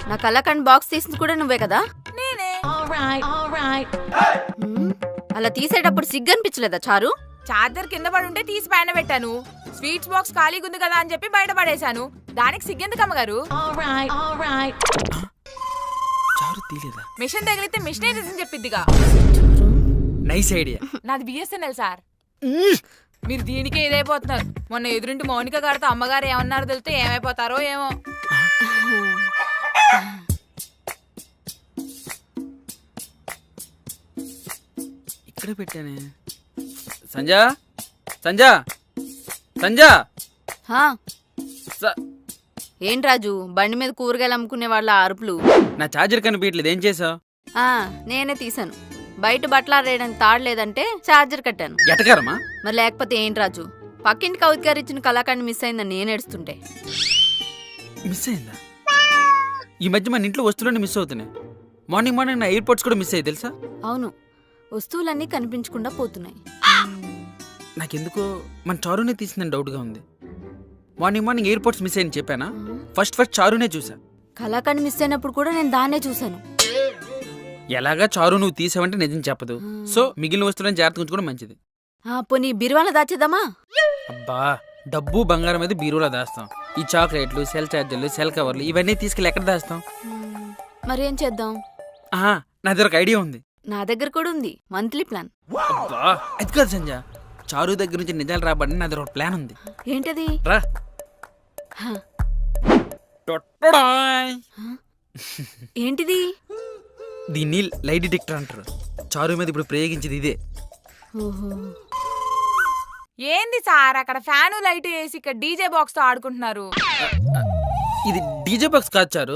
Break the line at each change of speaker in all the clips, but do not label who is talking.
నా కలకండ్ బాక్స్ తీసింది కూడా నువ్వే కదా?
నేనే.
అలా తీసేటప్పుడు సిగ్గు అనిపించలేదా చారు?
చార్జర్ కింద పడి ఉంటే తీసి పైన పెట్టాను. స్వీట్స్ బాక్స్ ఖాళీగా ఉంది కదా అని చెప్పి బయట పడేశాను. దానికి సిగ్గెందుకు అమ్మగారు?
చారు తీలేదా?
మిషన్ తగిలితే మిషనే రీజన్ చెప్పిద్దిగా.
Nice idea.
నాది బిఎస్ఎన్ఎల్ సార్. మీరు దీనికే ఇదైపోతున్నారు. మొన్న ఎదురింటి మౌనిక గారితో అమ్మగారు ఏమన్నారో తెలితే ఏమైపోతారో ఏమో.
ఇక్కడ పెట్టానే. సంజా సంజా సంజా.
హా, ఏంటి రాజు బండి మీద కూరగాయలు అమ్ముకునే వాళ్ళ అరుపులు?
నా ఛార్జర్ కనిపించట్లేదు, ఏం చేసావు?
నేనే తీసాను. బయట బట్టలు ఆరేయడానికి తాడు లేదంటే ఛార్జర్ కట్టాను.
ఎటకారమా?
మరి లేకపోతే ఏంటి రాజు, పక్కింటి కవిత గారు ఇచ్చిన కళాఖండ్ మిస్ అయిందని నేను ఏడుస్తుంటే.
మిస్ అయిందా? ఈ మధ్య మన ఇంట్లో వస్తువులన్నీ మిస్ అవుతున్నాయి. మార్నింగ్ నా ఎయిర్పోర్ట్స్ కూడా మిస్ అయ్యి తెలుసా?
అవును, వస్తువులన్నీ కనిపించకుండా పోతున్నాయి.
నాకెందుకో మన చారునే తీసిందని డౌట్గా ఉంది. మార్నింగ్ ఎయిర్పోర్ట్స్ మిస్ అయ్యని చెప్పానా? ఫస్ట్ చారునే చూసా.
కళాఖండ్ మిస్ అయినప్పుడు కూడా నేను దాన్నే చూశాను.
ఎలాగా చారు నువ్వు తీసావంటే నిజం చెప్పదు. సో మిగిలిన వస్తువులను జాగ్రత్తగా ఉంచుకోవడం మంచిది.
పోనీ బిరువాల దాచేద్దామా?
అబ్బా, డబ్బు బంగారం అయితే బీరువాలో దాస్తాం. ఈ చాక్లెట్లు, సెల్ చార్జర్లు, సెల్ కవర్లు ఇవన్నీ తీసుకెళ్ళి ఎక్కడ దాస్తాం?
మరేం చేద్దాం?
నా దగ్గర ఒక ఐడియా ఉంది.
నా దగ్గర కూడా ఉంది, మంత్లీ ప్లాన్.
అబ్బా, అది కాదు సంజ, చారు దగ్గర నుంచి నిజాలు రాబడి నా దగ్గర ఒక ప్లాన్ ఉంది.
ఏంటది?
రా.
ఏంటిది?
దీన్ని లై డిటెక్టర్ అంటారు. చారు మీద ఇప్పుడు ప్రయోగించేది ఇదే.
ఏంది సార్ అక్కడ ఫ్యాను లైట్ వేసి ఇక్కడ డీజే బాక్స్ తో ఆడుకుంటున్నారు?
ఇది డీజే బాక్స్ కాదు చారు.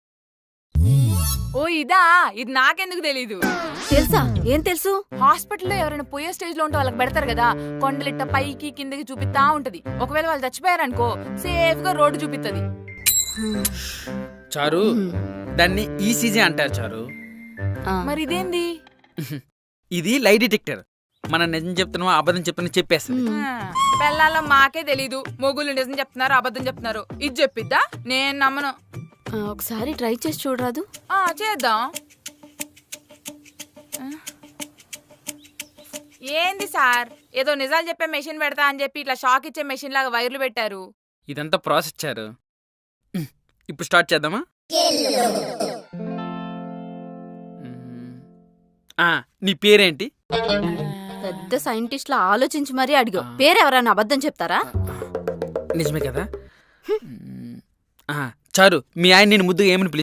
ఓ ఇదా, ఇది నాకెందుకు తెలీదు.
తెలుసా? ఏం తెలుసు?
హాస్పిటల్లో ఎవరైనా పోయే స్టేజ్ లో ఉంటే వాళ్ళకి పెడతారు కదా, కొండలిట్ట పైకి కిందకి చూపిస్తా ఉంటది. ఒకవేళ వాళ్ళు చచ్చిపోయారనుకో సేఫ్ గా రోడ్డు చూపిస్తుంది.
చారు, దాన్ని ఈసీజీ అంటారు చారు.
మరి ఇదేంది?
ఇది లై డిటెక్టర్. మనం నిజం చెప్తున్నావా అబద్ధం చెప్తున్నా చెప్పేస్తుంది.
పెళ్ళాలో మాకే తెలీదు, మొగుళ్ళు నిజం చెప్తున్నారు అబద్ధం చెప్తున్నారు. ఇది చెప్పిద్దా? నేను నమ్మను.
ఒకసారి ట్రై చేసి చూడరాదు?
చేద్దాం. ఏంది సార్, ఏదో నిజాలు చెప్పే మెషిన్ పెడతా అని చెప్పి ఇట్లా షాక్ ఇచ్చే మెషిన్ లాగా వైర్లు పెట్టారు.
ఇదంతా ప్రాసెస్ చారు. ఇప్పుడు స్టార్ట్ చేద్దామా? నీ పేరేంటి?
పెద్ద సైంటిస్ట్ లా ఆలోచించి మరీ అడిగా. పేరెవరైనా అబద్ధం చెప్తారా?
నిజమే కదా. చారు, మీ ఆయన నేను ముద్దుగా ఏమని